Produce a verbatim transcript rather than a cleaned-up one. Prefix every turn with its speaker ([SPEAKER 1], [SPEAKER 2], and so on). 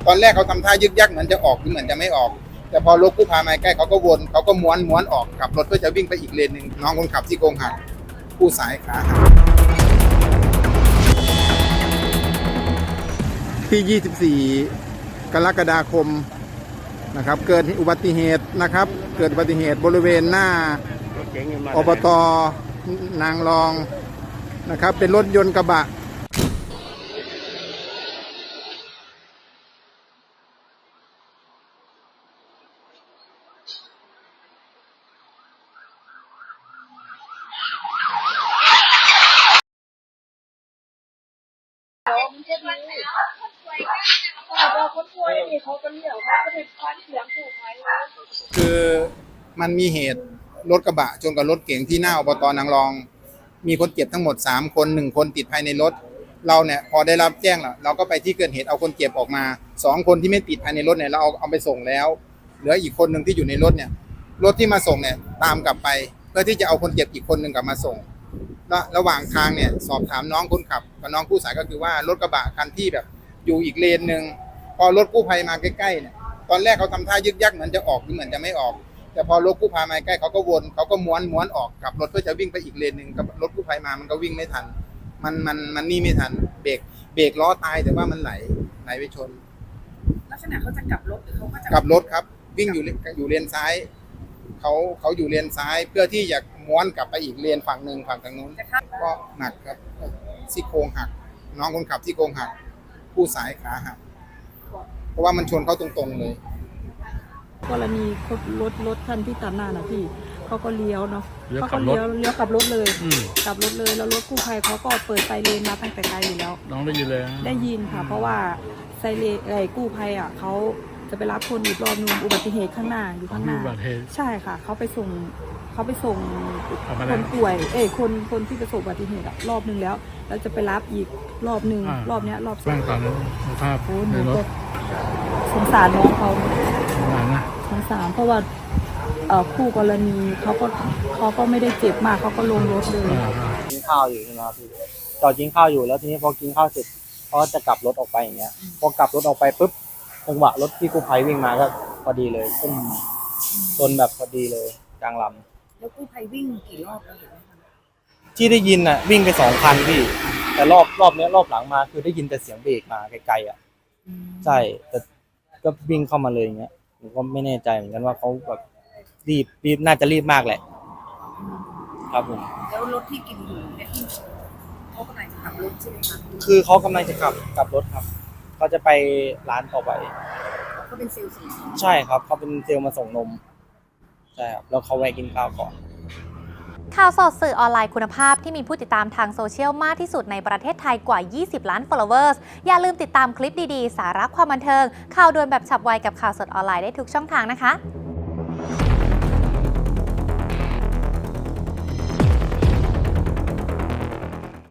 [SPEAKER 1] ตอนแรกเขาทำท่ายึกยักเหมือนจะออกหรือเหมือนจะไม่ออกแต่พอรถกู้ภัยมาใกล้เขาก็วนเขาก็ม้วนม้วนออกขับรถก็จะวิ่งไปอีกเลนหนึ่งน้องคนขับที่โกงหักผู้สายขาหักที่ยี่สิบสี่กรกฎาคมนะครับเกิดอุบัติเหตุนะครับเกิดอุบัติเหตุบริเวณหน้าอบต.นางรองนะครับเป็นรถยนต์กระบะคือมันมีเหตุรถกระบะชนกับรถเก๋งที่หน้าอบต.นางรองมีคนเจ็บทั้งหมดสามคนหนึ่งคนติดภายในรถเราเนี่ยพอได้รับแจ้งแล้วเราก็ไปที่เกิดเหตุเอาคนเจ็บออกมาสองคนที่ไม่ติดภายในรถเนี่ยเราเอาเอาไปส่งแล้วเหลืออีกคนหนึ่งที่อยู่ในรถเนี่ยรถที่มาส่งเนี่ยตามกลับไปเพื่อที่จะเอาคนเจ็บอีกคนหนึ่งกลับมาส่งแล้วระหว่างทางเนี่ยสอบถามน้องคนขับกับน้องผู้สายก็คือว่ารถกระบะคันที่แบบอยู่อีกเลนหนึ่งพอรถกู้ภัยมาใกล้ๆเนี่ยตอนแรกเขาทำท่ายึกยักเหมือนจะออกหรือเหมือนจะไม่ออกแต่พอรถกู้ภัยมาใกล้เขาก็วนเขาก็ม้วนม้วนออกขับรถเพื่อจะวิ่งไปอีกเลนหนึ่งกับรถกู้ภัยมามันก็วิ่งไม่ทันมันมันมันนี่ไม่ทันเบรกเบรกล้อตายแต่ว่ามันไหลไหลไปชน
[SPEAKER 2] ลักษณะเขาจะกลับรถหรือเขาก็จะ
[SPEAKER 1] กลับรถครับวิ่งอยู่อยู่เลนซ้ายเขาเขาอยู่เลนซ้ายเพื่อที่จะม้วนกลับไปอีกเลนฝั่งหนึ่งฝั่งทางนู้นก็หนักครับซี่โครงหักน้องคนขับซี่โครงหักผู้สายขาหักเพราะว่ามันชนเขาตรงๆเลย
[SPEAKER 3] กรณีรถรถคันที่ตัดหน้านะพี่เขาก็เลี้ยวเนาะเขาก็เลี้ยวเลี้ยวกลับรถเลยกลับรถเลยแล้วรถกู้ภัยเขาก็เปิดไซเรนมาตั้งแต่ไกลอยู่แล้ว
[SPEAKER 4] น้องได้ยินเลย
[SPEAKER 3] ได้ยินค่ะเพราะว่าไซเรนไอ้กู้ภัยอ่ะเขาจะไปรับคนอีกรอบนึงอุบัติเหตุข้างหน้าอยู่ข้างหน้าใช่ค่ะเขาไปส่งเขาไปส่งคนป่วยเอ้คนคนที่ประสบอุบัติเหตุรอบนึงแล้วแล้วจะไปรับอีกรอบนึงรอบเนี้ยรอบสอง
[SPEAKER 4] ตอนนั้นภาพในรถ
[SPEAKER 3] สงสารน้องเขาสงสารเพราะว่าคู่กรณีเขาก็เขาก็ไม่ได้เจ็บมากเขาก็ลงรถเลย
[SPEAKER 5] กินข้าวอยู่ใช่ไหมครับพี่จอดกินข้าวอยู่แล้วทีนี้พอกินข้าวเสร็จเขาจะกลับรถออกไปอย่างเงี้ยพอกลับรถออกไปปุ๊บจังหวะรถที่กู้ภัยวิ่งมาก็พอดีเลยต้นต้นแบบพอดีเลยกลางลำ
[SPEAKER 2] แล้วกู้ภัยวิ่งกี่รอบแล้วเห็นไหม
[SPEAKER 5] ที่ได้ยินน่ะวิ่งไปสองคันพี่แต่รอบรอบนี้รอบหลังมาคือได้ยินแต่เสียงเบรกมาไกลๆอ่ะใช่แต่ก็วิ่งเข้ามาเลยอย่างเงี้ยผมก็ไม่แน่ใจเหมือนกันว่าเขาแบบรีบรีบน่าจะรีบมากแหละครับผม
[SPEAKER 2] แล้วรถที่กินอยู่เนี่ยเขากำลังจะกลับรถใช่ไหมคะ
[SPEAKER 5] คือเขากำลังจะกลับกลับรถครับเขาจะไปร้านต่อไป
[SPEAKER 2] เขาเป็นเซลล์ส่ง
[SPEAKER 5] ใช่ครับเขาเป็นเซลล์มาส่งนมใช่ครับแล้วเขาแวะกินข้าวก่อน
[SPEAKER 6] ข่าวสดสื่อออนไลน์คุณภาพที่มีผู้ติดตามทางโซเชียลมากที่สุดในประเทศไทยกว่ายี่สิบล้าน followers อย่าลืมติดตามคลิปดีๆสาระความบันเทิงข่าวด่วนแบบฉับไวกับข่าวสดออนไลน์ได้ทุกช่องทางนะคะ